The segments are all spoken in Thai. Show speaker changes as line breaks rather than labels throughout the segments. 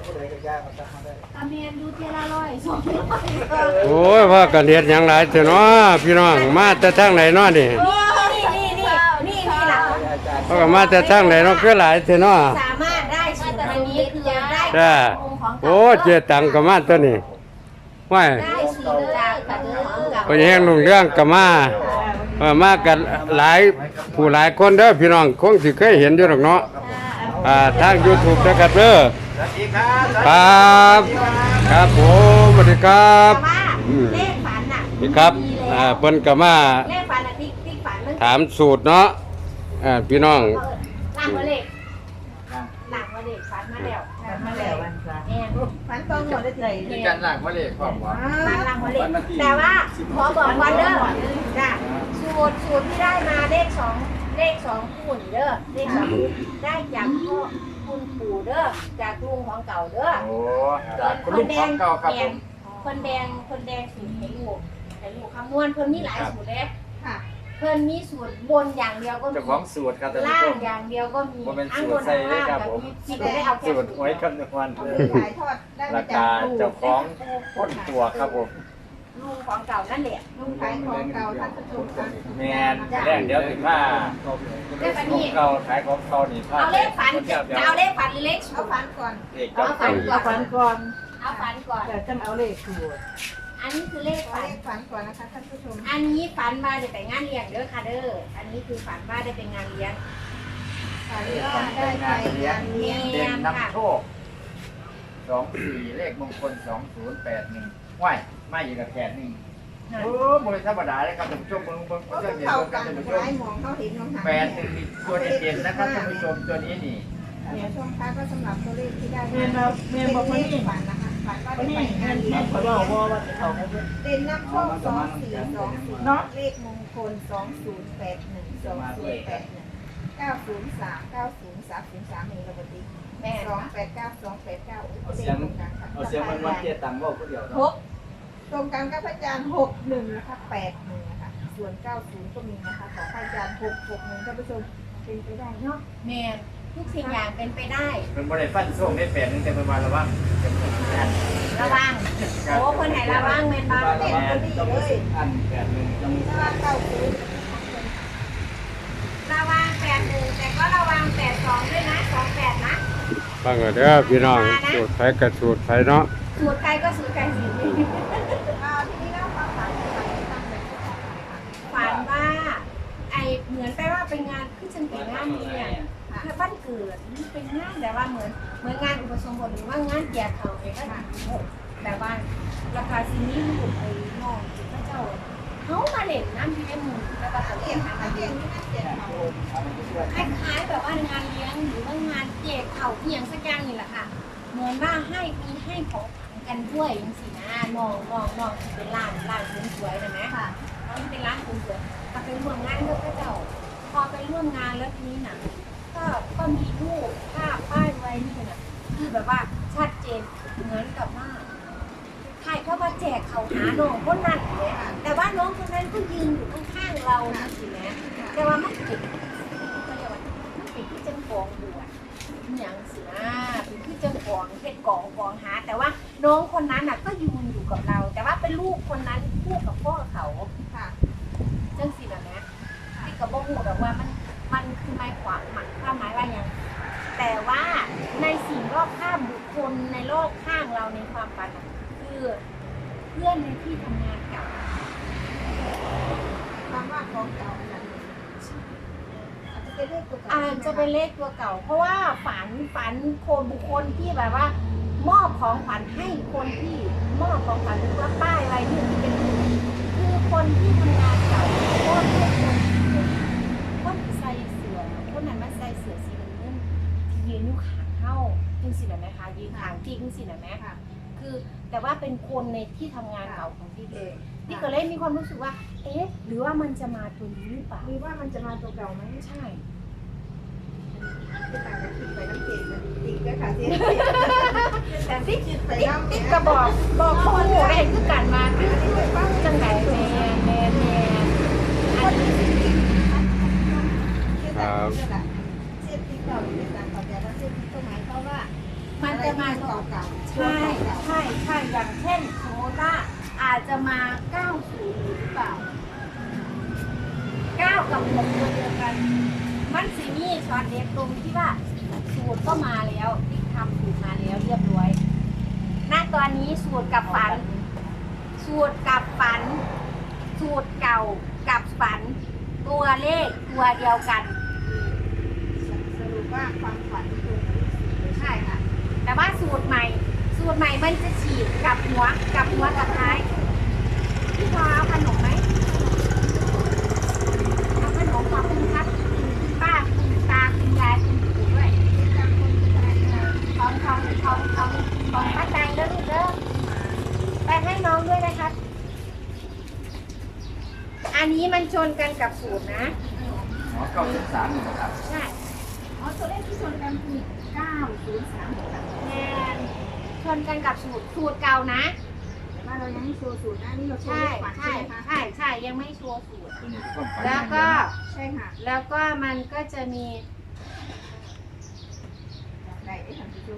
ตาเมียนดูเทละร้อยสองร้อย
โอ้ยว่ากันเฮ็ดหยังหลายเถอะเนาะพี่น้องมาแต่ทางไหนเนาะนี่
นี่ล่ะ
เพราะก็มาแต่ทางไหนเนาะคือหลายเถอะเนาะ
สามารถได้สูตรอันนี้คือได้
จ้าโอ้เจตังก็มาตัวนี้ว่า
ได้สูตรจากกระเดื่อง
ไปแห่งลุงเรื่องก็มามากันหลายผู้หลายคนเด้อพี่น้องคงสิเคยเห็นอยู่หรอกเนาะทาง YouTube นะครับเด้อ
สวัสดีครับ
ครับครับผมสวัสดีครับ
ว่าเลขฝันน่ะ
นี่ครับเพิ่นก็มา
เลขฝันน่ะติ๊กฝันมัน
ถามสูตรเนาะพี่น้อง
หลังมาเลขฝันมาแล้วฝันตรงหมดเลย
มีการหลังมาเลยความว่า
หลังมาเลขแต่ว่าขอบอกก่อนเด้อจ้ะสูตรที่ได้มาเลขสองคู่นี่เด้อเลขสองคู่ได้จากพ่อคุณปู่เด้อจากลุงของเก่าเด้อ
โอ้จากคุณลุงของเก่าครับผม
คนแดงสูตรให้ลูกคำนวณเพิ่นมีหลายสูตรเลยค่ะเพิ่นมีสูตรบนอย่างเดียวก็มี
เจ้าของสูตรครับท่านผู้
ล่า
ช
ง
ม
อย่างเดียวก็มี
ว่าเป็นสูตรใส่เลยครับผม
มีได้เอาแค่
สูตรหวยคำนวณราคาเจ้าของต้นตัวครับผม
ลุงของเก่านั่นแหละ
ลุงขายของเก่าท่านผู้ชมค่ะ
แมนแรกเดี๋ยวถึงว่าของเก่าขายของเก่านี่พลาด
เอาเลขฝันจะเอาเลขฝันหรือเลข
เอาฝันก่อน
เอกเจ้า
เอาฝันก่อน
เอาฝันก่อน
เดี๋ยวจะเอาเลขถูก
อันนี้คือเลข
เอา
ฝัน
เลขฝันก่อนนะคะท่านผู้ชม
อันนี้ฝันว่าได้ไปงานเลี้ยงเด้อค่ะเด้ออันนี้คือฝันว่าได้ไปงานเลี้ยง
ฝันว่าได้ไปงานเลี้ยง
เด่นนำโชค24เลขมงคล2081ว้ายมาอยู่กับแขนนี่โอ้บริธรรมดาเลยครับท่านผู้ชมเบิ่ง
ก็
เจ้าเห็น
เข้า
เบิ่งค
กั
รับ
น
ท่านผู้ช
ห
ม
ลายหมองเขาเห็นน้องหา
8มีตัวเด่นๆนะครับท่านผู้ชมตัวนี้นี่
เดี๋ยวช่วงท้ายก็สำหรับตัวเลขที่ได้มาเป็นเลขฝันนะคะฝันว่าได้ไปงานเลี้ยงเด่นน้ำโชค2420เนาะเลขมงคล2081 2081 903 90303มีระบบดี
แม่
289 289
เอาเสียงมันวัดเทียตังค์ว่าคนเดียว
หกตรงกันกับพระอาจารย์61นะคะ81นะคะส่วน90ก็มีนะคะของพระอาจารย์661ท่านผู้ชมเป็นไปได้เนาะ
แม่ทุกสิ่งอย่างเป็นไปได้
มันบริฟันส่งได้8นึงแต่เป็นวันละว่า
ระวังโอ้คนไหนระวังแม่นบ้าง
ต้องไปสิอัน8 1ต้อง
ถ้าว่า90
ระวัง81แต่ก็ระวัง82ด้วยนะ28นะ
ฟังกันเด้อพี่น้องสูตรไผกับสูตรไผเนาะ
สูตรใครก็สูตรใครสิ
ทีนี้เล่าความฝันตั้งแต่ที่ผ่านมาค่ะ
ฝันว่าไอเหมือนไปว่าเป็นงานคือฉันเป็นงานเลี้ยงคือบ้านเกิดเป็นงานแต่ว่าเหมือนงานอุปสมบทหรือว่างานแจกเขาเองก็แต่ว่าราคาซีนี้ลูกไปมองพระเจ้าเขามาเล่นน้ำเลี้ยงหมูแล้วก็เลี้ยง
เรียนที่นั่นเจ็ดเขา
คล้ายๆแบบว่างานเลี้ยงหรือว่างานแจกเขาที่อย่างสักอย่างนี่แหละค่ะเหมือนว่าให้ของกันด้วยอย่างสินะน้องที่เป็นร้านสวยๆนะแม่
ค่ะ
เขาเป็นร้านสวยๆก็ไปร่วมงานกับพระเจ้า พอไปร่วมงานแล้วทีนี้นะก็มีรูปภาพป้ายไว้นี่นะคือแบบว่าชัดเจนเหมือนกับว่าใครเข้ามาแจกเขาหาน้องคนนั้นเลยแต่ว่าน้องคนนั้นก็ยืนอยู่ข้างๆเรานะสิแม่แต่ว่ามันติดก็เรียกว่ามันติดที่จังกองบวชอย่างสินะเป็นที่จังกองเป็นกองหา แต่ว่าน้องคนนั้นน่ะก็ยืนอยู่กับเรา แต่ว่าเป็นลูกคนนั้นคู่กับพ่อเขา
ค่ะ
จังสินะแม่ที่กับบ่ฮู้ดอกว่ามันคือหมายความหมายว่าอย่างแต่ว่าในสิ่งรอบข้างบุคคลในโลกข้างเราในความฝันน่ะคือเพื่อนในที่ทำงานเก่า
ความว่าของเก่านั้นอาจจะเป็นเลขตัวเก่า
อาจจะเป็นเลขตัวเก่า เพราะว่าฝันคนบุคคลที่แบบว่า มอบของขวัญให้คนที่มอบของขวัญหรือว่าป้ายอะไรที่เป็นคือคนที่ทำงานเก่าเพราะว่าคนใส่เสื้อคนนั้นมาใส่เสื้อสีน้ำเงินที่ยืนอยู่ข้างเฮาจังสิน่ะแม่คะยืนข้างที่จังสิน่ะแม่ค่ะคือแต่ว่าเป็นคนในที่ทำงานเก่าของพี่เลยพี่ก็เลยมีความรู้สึกว่าเอ๊ะหรือว่ามันจะมาตัวนี้หรือเปล่า
หรือว่ามันจะมาตัวเก่าไหม
ใช่
จะต่างกับคิดไปน้ำเกลือติดก็ค่ะเสีย
แต่ที่
คิดไป
ติ๊ก
น้ำ
ติ๊กกระบอกข้อมูลอะไรคือกันมาจังไงแม่อันนี้
เส้นที่เก่าเป็นการต่อจากว่าเส้นที่หมายเขาว่า
มันจะมาตัว
เก่า
9กับ6ตัวเดียวกันมันสิมีช็อตเด็ดตรงที่ว่าสูตรก็มาแล้วที่ทำสูตรมาแล้วเรียบร้อยณตอนนี้สูตรกับฝัน สูตรกับฝัน สูตรเก่ากับฝัน ตัวเลขตัวเดียวกัน
สรุปว่าความฝันตรงกับเลขสูตร
ใช่ค่ะ แต่ว่าสูตรใหม่มันจะฉีดกับหัวกับท้ายพี่พอเอาขนมไหมเอาขนมขอบคุณครับคุณป้าคุณตาคุณยายคุณปู่ด้วยของป้าแตงเด้อลูกเด้อไปให้น้องด้วยนะครับ อันนี้มันชนกันกับสูตรนะ
หมอ903นี่ครับ
ใช่
อ๋อตัวเลขที่ชนกันคือ903ค่ะ
แนนชนกันกับสูตรเก่านะ
แต่ว่าเรายังไม่โชว์สูตรนะนี่เราโชว์
ใช่
เลขฝันใช่
ใช่
ไหมคะ
ใช่ยังไม่ชัวร์สูตร
ตัวนี้คือความฝัน
แล้วก็
ใช่ค่ะ
แล้วก็มันก็จะมี
ได้ได้ค่ะผู้ชม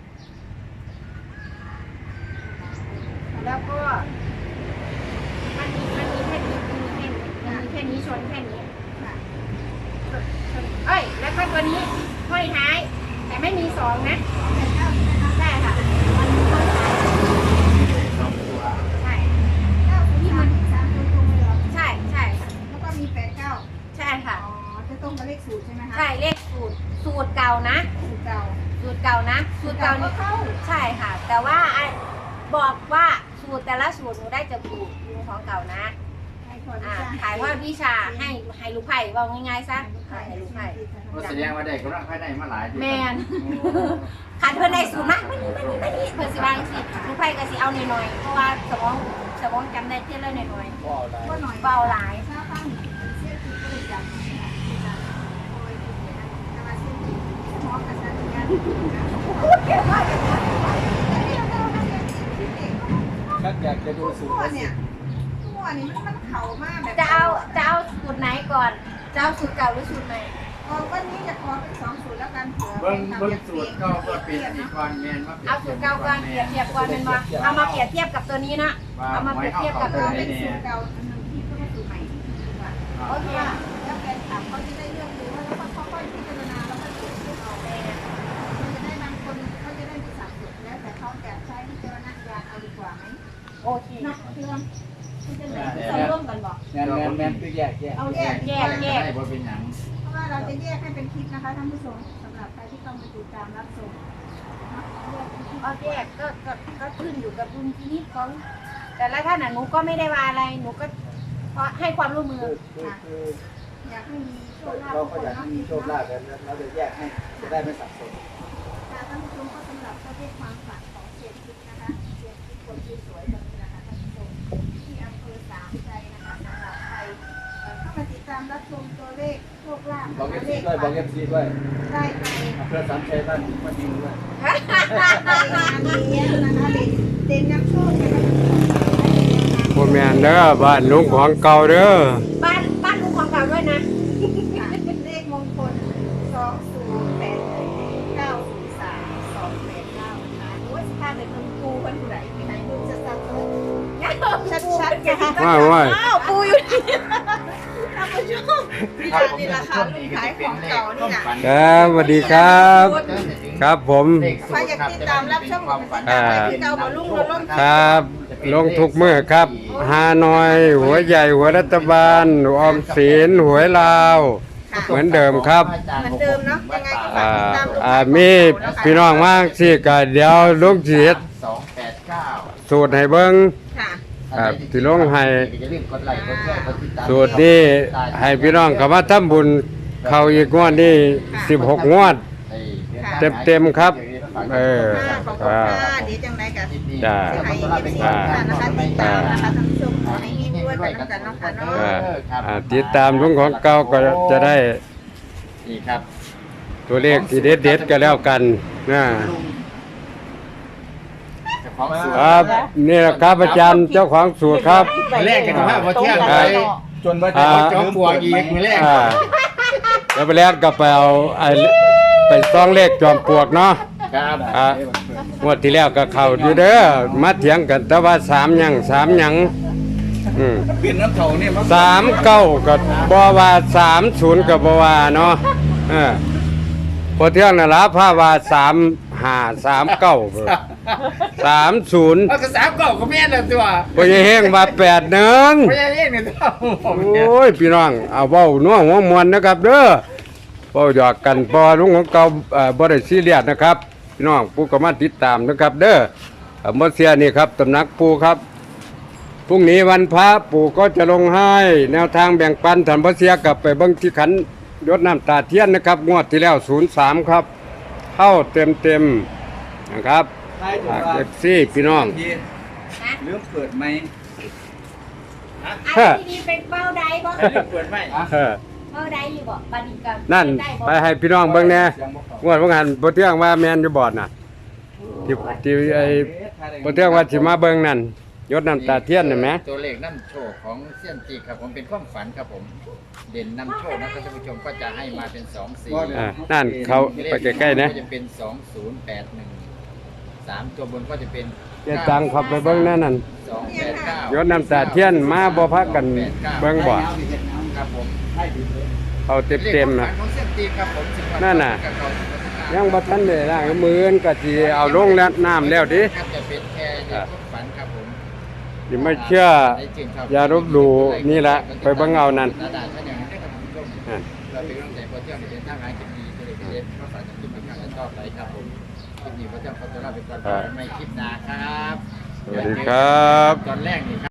แล้วก็มันมีแค่นี้มันมีแค่นี้ชนแค่นี้
ค่ะ
เอ้ยแล้วก็ตัวนี้ห้อยท้าย แต่ไม่มีสองนะใช่ค่ะมันมีห้อยท้าย
สองตัว
ใช่
ที่มัน3ตัวตรงเลยเหรอ
ใช่ค่ะ
แล้วก็มี89
ใช่ค่ะ
อ๋อจะตรงกับเลขสูตรใช่ไหมคะ
ใช่เลขสูตรเก่านะ
สูตรเก่า
สูตรเก่านะสูตรเก่า
ก็
นี่
เข้า
ใช่ค่ะ แต่ว่าบอกว่าสูตรแต่ละสูตรหนูได้จากสูตรของเก่านะ
ให้คน
ถ่ายว่าวิชาให้ลูกไผ่ว่าง่ายๆซะให้ลูกไผ่
ก็แสดงว่าได้กำลังภายในมาหลาย
แมนขันเพื่อนในสูตรมากไม่นี่เพื่อนสิบางสิลูกไผ่ก็สิเอาหน่อยๆเพราะว่าสมองจำได้เท่าเลยหน่อย
ก็ได้
ก็หน่อย
ๆเบาหลาย
ถ้าฟังเสียคือก็เลยจำค่ะโอ้ยแต่ว่าเสียคือสมองกับสัญญาณ
ชักอยากจะดูสูตร
ตัว
แล้วสิ
เนี่ยตัวนี่มันเข่ามากแบบ
จะเอาสูตรไหนก่อนจะเอาสูตรเก่าหรือสูตรใหม่
วันนี้จะขอเป็น2สูตรแล้วกันเผื่อ
เบิ้งสูตรก็เปลี่ยนอีกก่อนแมนมาเปลี่ยน
เอาสูตรเก่าก่อนเปรียบเทียบก่อนเป็นว่าเอามาเปรียบเทียบกับตัวนี้นะเอามาเปรียบเทียบกับ
เอ
ตัว
อเป็
นี้
นสูตรเก่าอันหนึ่งที่ก็สูตรใหม่ดีกว่า
โอเค
แล้วแฟนคลับเขาจะได้เลือกดูว่าแล้วก็ค่อยๆพิจารณาแล้วก็เขียนให้เรามันจะได้บางคนเขาจะได้มีสับสนแล้วแต่เขาจะใช้พิจารณญาณเอาดีกว่าไหม
โอเค
เนาะเรื่องมันจะไหนจะร่วมกันบอก
แมนคือแยก
เอาแยก
ได้บ่เป็นหยัง
เพราะว่าเราจะแยกให้เป็นคลิปนะคะท่านผู้ชมสำหรับใครที่เข้ามาติดตามรับชมเนาะแยกเป็นคลิป
เอาแยกก็ขึ้นอยู่กับดุลพินิจของแต่ละท่านหนูก็ไม่ได้ว่าอะไรหนูก็ให้ความร่วมมือ
คือ
อยากให้มีโชคลาภ
เราก็อยากให้มีโชคลาภกันเราจะแยกให้จะได้ไม่สับสน
ค่ะท่านผู้ชมก็สำหรับประเภทความฝันของเศรษฐกิจนะคะเศรษฐกิจคนที่สวยแบบนี้นะคะท่านผู้ชมที่อำเภอสามใจนะคะสำหรับใครเข้ามาติดตามรับชมตัวเลขโชคลาภ
บอกเอฟ
เล
ซี
ข
ด้วยบอกเอฟซีด้วย
ได้ไป
เพื่อสามชัยบ้านมาดิวด้วย
ไปงานนี้นะคะเด่นนำโชคนะคะ
บ่แม่นเด้อบ้านลุงของเก่าเด้อ
บ้านลุงของเก่าด้วยนะ
เลขมงคล2081903289นะคะโอ้ยสิพาไปเมืองปูเพิ่นผู้ใดไปไหนเพิ่นจะซักชัดๆนะคะ
ว่า
อ้าวปูอยู่นี่ท่านผู้ชมนี่แหละค่ะลูกขายของเก่านี่นะ
ครับสวัสดีครับ ครับผม
ใครอยากติดตามรับชมของติดตามที่เก่าบ่ลุงเราลง
ครับลงทุกมื้อครับฮานอย หัวใหญ่หัวรัฐบาลออมสินหวยลาว เหมือนเดิมครับ
เหมือนเดิมเนาะยังไงก็ฝากติดตามลุง
มีพี่น้องมากสิก็เดี๋ยวลุงสิเฮ็ด
289
สูตรให้เบิ่ง
ค่ะ
ครับสิลงให้
อย่าลืมกดไลค์กดแชร์กดติดตาม
สูตรนี้ให้พี่น้องเข้ามาทำบุญเข้าอีกงวดนี้16งวด เต็มๆครับเออ
ค่ะขอบคุณค่ะเดี๋ยวจังไรกัน
จ้า
จะให้เอฟซีนะคะติดตามนะคะท่านผู้ชมขอให้มีด้วยกันน้ำกันเนาะค่ะเนาะ
ติดตามลุงของเก่าก็จะได้
นี่ครับ
ตัวเลขที่เด็ดๆก็แล้วกันนะ
เจ้าของสูตร
ครับนี่แหละครับอาจารย์เจ้าของสูตรครับ
แรกกันว่าพอเที่ยงไป
จนว่า
อ่า
จะ
จอมปลวกอีกมือแรก
แล้วไปแรกก็ไปเอาไปซ่องเลขจอมปลวกเนาะ
ครับ
งวดที่แล้วก็เข้าอยู่เด้อมาเถียงกันแต่ว่า3หยัง3หยัง
เปลี่ยนน้ำเถาเนี่ยมัน
39ก็บ่ว่า30ก็บ่ว่าเนาะพอเที่ยงน่ะล่ะพาว่า3539เพิ่น30
เอากระสามเก่าก็แม่นแล้วตัว
พ่อใหญ่แห้งว่า81
ไม่ใช่เองเนี่ยตัว
โอ้ยพี่น้องเอาเว้านัวหัวมวนนะครับเด้อเว้าหยอกกันพอลุงของเก่าบ่ได้ซีเรียสนะครับพี่น้องผู้ก็มาติดตามนะครับเด้อบ่เสียนี่ครับตำหนักปู่ครับพรุ่งนี้วันพระปู่ก็จะลงให้แนวทางแบ่งปันท่านบ่เสียกลับไปเบิ่งที่ขันยศน้ำตาเทียนนะครับงวดที่แล้ว03ครับเข้าเต็มๆนะครับ
ใช่ถูก
เอฟซีพี่น้อง
ลืมเปิดไหม
อันนี้เป็นเป้าใดบ่
เปิดไหม
เป้าใดอยู่บ่บัดนี้ก็
นั่น
ได้บ่
ไปให้พี่น้องเบิ่งแหน่งวดว่างานบ่เที่ยงว่าแม่นอยู่บอดน่ะที่ไอ้บ่เที่ยงว่าสิมาเบิ่งนั่นยศน้ำตาเทียนน่ะแหม
ตัวเลขน้ำโชคของเซียนจีครับผมเป็นความฝันครับผม เด่นนำโชคนะครับท่านผู้ชมก็จะให้มาเป็น2 4
นั่นเขาไปใกล้ๆนะ
ก็จะเป็น2081 3ตัวบนก็จะเป็น
เจ็ดตังเข้าไปเบิ่งนั่นนั่น
289
ยศน้ำตาเทียนมาบ่พักกันเบิ่งบ่
ครับผม
เขาเต็มๆน่ะ
ของเซียนจีครับผม10
นั่นน่ะ ยังบ่ทันได้ล้างมืออื่นก็สิเอาลงแล้วน้ำแล้วดิ
ครับจะเป็นแค่ในความฝันครับผม
สิไม่เชื่ออย่าลบหลู่นี่ละไปเบิ่งเอานั่น
เราเป็นกำลังใจพอเที่ยวในเดินทางหากินดีก็เลยเรียนข้าวสารจะกินเป็นการต่อไปครับผมคลิปนี้พอเที่ยวเขาจะเล่าเป็นตอนไม่คลิปหนาครับ
สวัสดีครับ
ตอนแรกนี่ครับ